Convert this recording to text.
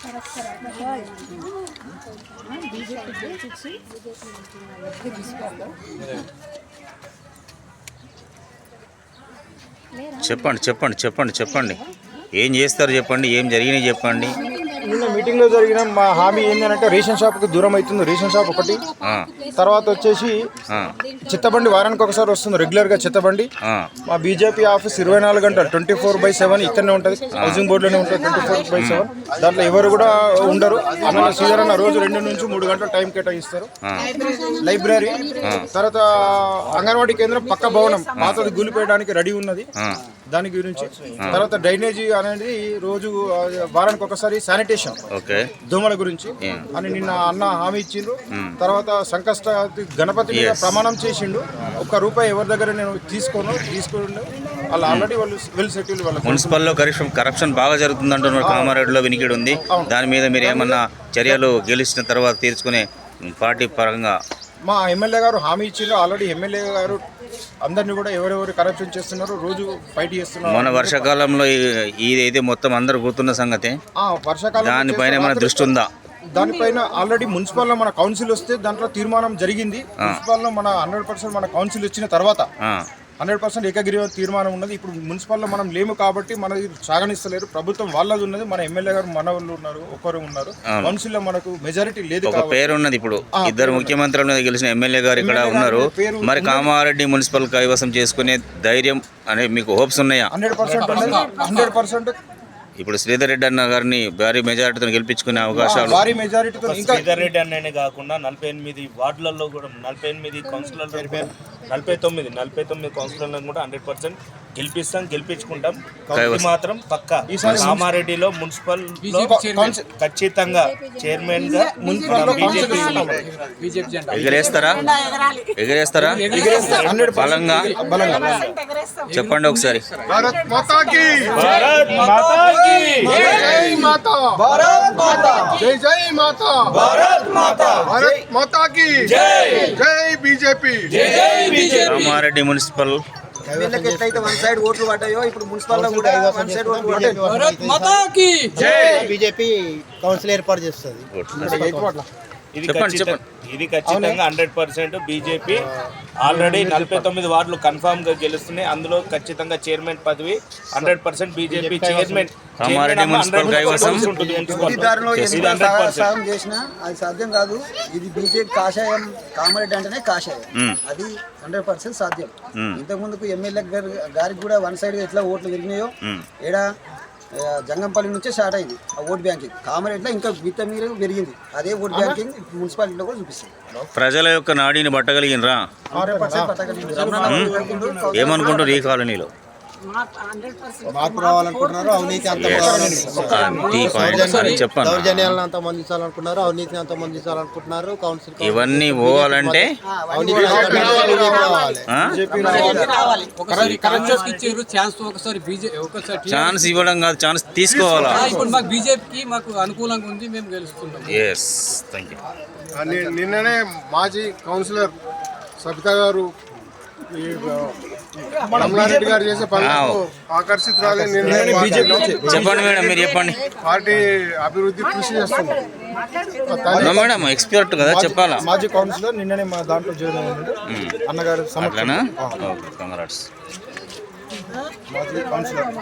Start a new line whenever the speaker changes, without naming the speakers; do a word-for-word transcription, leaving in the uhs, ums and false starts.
చెప్పండి చెప్పండి చెప్పండి చెప్పండి ఏం చేస్తారు చెప్పండి, ఏం జరిగినాయి చెప్పండి.
నిన్న మీటింగ్లో జరిగిన మా హామీ ఏంటంటే రేషన్ షాప్కి దూరం అవుతుంది. రేషన్ షాప్ ఒకటి, తర్వాత వచ్చేసి చిత్తబండి వారానికి ఒకసారి వస్తుంది రెగ్యులర్గా చిత్తబండి. మా బీజేపీ ఆఫీస్ ఇరవై నాలుగు గంటలు ట్వంటీ ఫోర్ బై సెవెన్ ఇక్కడనే ఉంటుంది, హౌసింగ్ బోర్డులోనే ఉంటుంది ట్వంటీ ఫోర్ బై సెవెన్. దాంట్లో ఎవరు కూడా ఉండరు. అన్న సీజన్ అన్న రోజు రెండు నుంచి మూడు గంటల టైం కేటాయిస్తారు. లైబ్రరీ, తర్వాత అంగన్వాడీ కేంద్రం పక్క భవనం మాతో కూలిపోయడానికి రెడీ ఉన్నది. దాని గురించి తర్వాత డ్రైనేజీ అనేది రోజు వారానికి ఒకసారి శానిటేషన్ దోమల గురించి అని నిన్న అన్న హామీ ఇచ్చిండ్రు. తర్వాత సంకష్ట గణపతి మీద ప్రమాణం చేసిండు. ఒక్క రూపాయి ఎవరి దగ్గర నేను తీసుకోను తీసుకుండు వాళ్ళు ఆల్రెడీ వాళ్ళు వెల్ సెటిల్. వాళ్ళు
మున్సిపల్లో కరప్షన్ కరప్షన్ బాగా జరుగుతుంది అంటున్నారు. కామారెడ్డిలో వినికిడి ఉంది. దాని మీద మీరు ఏమన్నా చర్యలు గెలిచిన తర్వాత తీర్చుకునే పార్టీ పరంగా
మా ఎమ్మెల్యే గారు హామీ ఇచ్చిండ్రు. ఆల్రెడీ ఎమ్మెల్యే గారు అందరినీ కూడా ఎవరెవరు కరప్షన్ చేస్తున్నారు రోజు ఫైట్ చేస్తున్నారు.
మన వర్షాకాలంలో ఇదైతే మొత్తం అందరు గుర్తున్న సంగతి.
వర్షాకాలం
దానిపైన మన దృష్టి ఉందా?
దానిపైన ఆల్రెడీ మున్సిపల్లో మన కౌన్సిల్ వస్తే దాంట్లో తీర్మానం జరిగింది. మున్సిపల్లో మన హండ్రెడ్ పర్సెంట్ మన కౌన్సిల్ వచ్చిన తర్వాత హండ్రెడ్ పర్సెంట్ ఏకగ్రీవ తీర్మానం ఉన్నది. ఇప్పుడు మున్సిపల్లో మనం లేము కాబట్టి మనది సాగనిస్తలేరు. ప్రభుత్వం వాళ్ళది ఉన్నది. మన ఎమ్మెల్యే గారు మన వాళ్ళు ఉన్నారు, ఒక్కరు ఉన్నారు. కౌన్సిల్లో మనకు మెజారిటీ లేదు.
ఒక పేరు ఉన్నది. ఇప్పుడు ఇద్దరు ముఖ్యమంత్రుల మీద గెలిచిన ఎమ్మెల్యే గారు ఇక్కడ ఉన్నారు. మరి కామారెడ్డి మున్సిపల్ కైవసం చేసుకునే ధైర్యం అనే మీకు హోప్స్ ఉన్నాయా?
హండ్రెడ్ పర్సెంట్ హండ్రెడ్ పర్సెంట్
ఇప్పుడు శ్రీధర్ రెడ్డి అన్న గారిని భారీ మెజారిటీతో గెలిపించుకునే అవకాశాలు.
భారీ మెజారిటీతో
శ్రీధర్ రెడ్డి అన్ననే కాకుండా నలభై ఎనిమిది వార్డులలో కూడా నలభై ఎనిమిది కౌన్సిలర్లు నలభై తొమ్మిది నలభై తొమ్మిది కౌన్సిలర్లను కూడా హండ్రెడ్ పర్సెంట్ గెలిపిస్తాం, గెలిపించుకుంటాం. పక్క పక్క కామారెడ్డిలో మున్సిపల్ ఖచ్చితంగా చైర్మన్ గా
ఎగరేస్తారా ఎగరేస్తారా బలంగా చెప్పండి ఒకసారి.
భారత్ మాతా కీ
భారత్ మాతా కీ
జై మాతా భారత్ మాతా జై జై మాతా భారత్ మాతా భారత్ మాతా కీ జై జై బీజేపీ జై జై బీజేపీ.
కామారెడ్డి మున్సిపల్
ఎమ్మెల్యేకి ఎట్లయితే వన్ సైడ్ ఓట్లు పడ్డాయో ఇప్పుడు మున్సిపల్లో కూడా వన్ సైడ్ ఓట్లు పడ్డాయి.
భారత్ మాతా కీ జై.
బీజేపీ కౌన్సిల్ ఏర్పాటు చేస్తుంది.
ఇది ఖచ్చితంగా ఇది ఖచ్చితంగా హండ్రెడ్ పర్సెంట్ బీజేపీ ఆల్రెడీ నలభై తొమ్మిది వార్డులు కన్ఫామ్ గా గెలుస్తున్నాయి. అందులో ఖచ్చితంగా చైర్మన్ పదవి హండ్రెడ్ పర్సెంట్ బీజేపీ చైర్మన్.
సాయం చేసినా అది సాధ్యం కాదు. ఇది బీజేపీ కాషాయం. కామారెడ్డి అంటేనే కాషాయం. అది హండ్రెడ్ పర్సెంట్ సాధ్యం. ఇంతకు ముందుకు ఎమ్మెల్యే గారికి కూడా వన్ సైడ్ ఎట్లా ఓట్లు పెరిగినాయో ఏడా జంగంపల్లి నుంచే స్టార్ట్ అయింది ఆ ఓట్ బ్యాంకింగ్. కామారెడ్డిలో ఇంకా విత్త మీరు పెరిగింది. అదే ఓట్ బ్యాంకింగ్ మున్సిపాలిటీలో కూడా చూపిస్తుంది.
ప్రజల యొక్క నాడిని పట్టగలిగినరా? ఏమనుకుంటారు ఈ కాలనీలో?
మార్పు రావాలనుకుంటున్నారు. అవినీతి అంత దౌర్జన్యాలను అంత మందించాలనుకున్నారు. అవినీతిని అంత మందించాలనుకుంటున్నారు. కౌన్సిల్
ఇవన్నీ పోవాలంటే ఛాన్స్ ఇవ్వడం కాదు, ఛాన్స్ తీసుకోవాలా?
ఇప్పుడు మాకు బీజేపీకి మాకు అనుకూలంగా ఉంది, మేము గెలుస్తున్నాం.
Yes, thank you.
నిన్ననే మాజీ కౌన్సిలర్ సబితా గారు రమణారెడ్డి గారు చేసే పనులకు ఆకర్షితురాలి.
చెప్పండి మేడం, మీరు చెప్పండి.
పార్టీ అభివృద్ధి కృషి చేస్తుంది
మేడం, ఎక్స్పర్ట్ కదా, చెప్పాలా?
మాజీ కౌన్సిలర్ నిన్ననే మా దాంట్లో జాయిన్ అయ్యారు అన్నగారు.
అట్లానా? కంగ్రాట్స్.
మాజీ కౌన్సిలర్